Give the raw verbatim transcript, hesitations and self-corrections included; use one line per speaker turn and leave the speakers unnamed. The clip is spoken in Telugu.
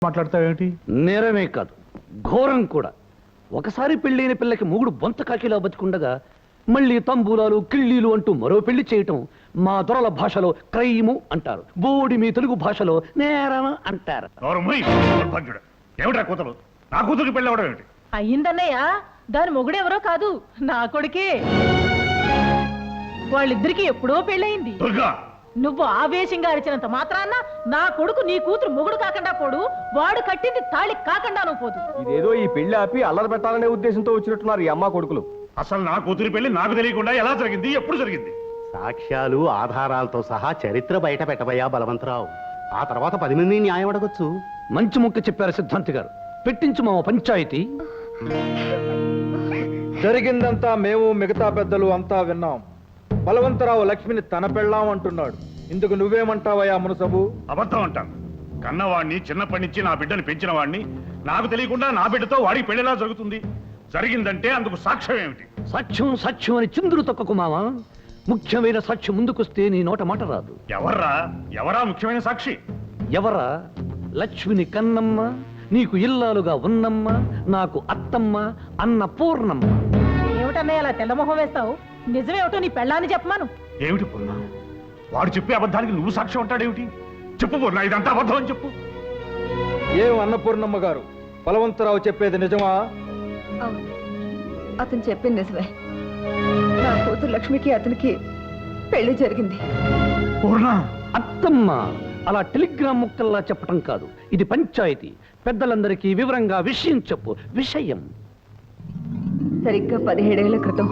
మాట్లాడతావేమిటి?
నేరమే కాదు, ఘోరం కూడా. ఒకసారి పెళ్ళైన పిల్లకి మూగుడు బొంత కాకిలా బతికుండగా మళ్ళీ తంబూలాలు కిళ్ళీలు అంటూ మరో పెళ్లి చేయటం మా దొరల భాషలో క్రైము అంటారు. బోడి మీ తెలుగు భాషలో నేరం అంటారు.
ఏమిటా కూతురు? నా కూతురికి పెళ్ళి అవడం ఏమిటి?
అయ్యిందన్నయ్య, దాని మొగుడెవరో కాదు, నా కొడుకే. వాళ్ళిద్దరికి ఎప్పుడో పెళ్ళయింది. నువ్వు ఆవేశంగా అరిచినంత మాత్రాన్న నా కొడుకు నీ కూతురు మొగుడు కాకుండా పోడు, వాడు కట్టింది తాళి కాకుండా నువ్వు పోదు.
ఇదేదో ఈ పెళ్లి ఆపి అల్లరి పెట్టాలనే ఉద్దేశంతో వచ్చినట్టున్నారు ఈ అమ్మ కొడుకులు.
అసలు నా కూతురి పెళ్లి నాకు తెలియకుండా ఎలా జరిగింది, ఎప్పుడు జరిగింది?
సాక్ష్యాలు ఆధారాలతో సహా చరిత్ర బయట పెట్టబోయా బలవంతరావు. ఆ తర్వాత పది మంది న్యాయం అడగొచ్చు.
మంచి ముక్క చెప్పారు సిద్ధాంతి గారు. పెట్టించు మా పంచాయతీ.
జరిగిందంతా మేము మిగతా పెద్దలు అంతా విన్నాం. బలవంతరావు లక్ష్మిని తన పెళ్ళాం అంటున్నాడు. ఇందుకు నువ్వేమంటావయ్యా మునసబు?
అబద్ధం అంటాను. కన్నవాడిని చిన్నప్పటి నుంచి నా బిడ్డని పెంచిన వాడిని నాకు తెలియకుండా నా బిడ్డతో వాడికి పెళ్లిలా జరుగుతుంది. జరిగిందంటే అందుకు సాక్ష్యం ఏమిటి?
సాక్ష్యం సాక్ష్యం అని చిందులు తొక్కకు మావా. ముఖ్యమైన సాక్ష్యం ముందుకొస్తే నీ నోట మాట రాదు.
ఎవర్రా ఎవరా ముఖ్యమైన సాక్షి?
ఎవరా? లక్ష్మిని కన్నమ్మ, నీకు ఇల్లాలుగా ఉన్నమ్మ, నాకు అత్తమ్మ అన్న పూర్ణమ్మ.
ఏమిటన్నయ్య అలా తెల్లమొహం వేస్తావు? నిజమేమిటో నీ పెళ్ళాన్ని చెప్పమాను.
ఏమిటి పూర్ణ? వాడు చెప్పే అబద్ధానికి నువ్వు సాక్ష్యం అంటాడేమిటి? చెప్పు పూర్ణ, ఇదంతా అబద్ధం అని చెప్పు.
ఏం అన్నపూర్ణమ్మ గారు, బలవంతరావు చెప్పేది నిజమా?
అవును, అతను చెప్పింది నిజమే. నా కూతురు లక్ష్మికి అతనికి పెళ్లి జరిగింది.
పూర్ణ,
అత్తమ్మ అలా టెలిగ్రామ్ ముక్కల్లా చెప్పటం కాదు, ఇది పంచాయతీ. పెద్దలందరికీ వివరంగా విషయం చెప్పు. విషయం
సరిగ్గా పదిహేడేళ్ల క్రితం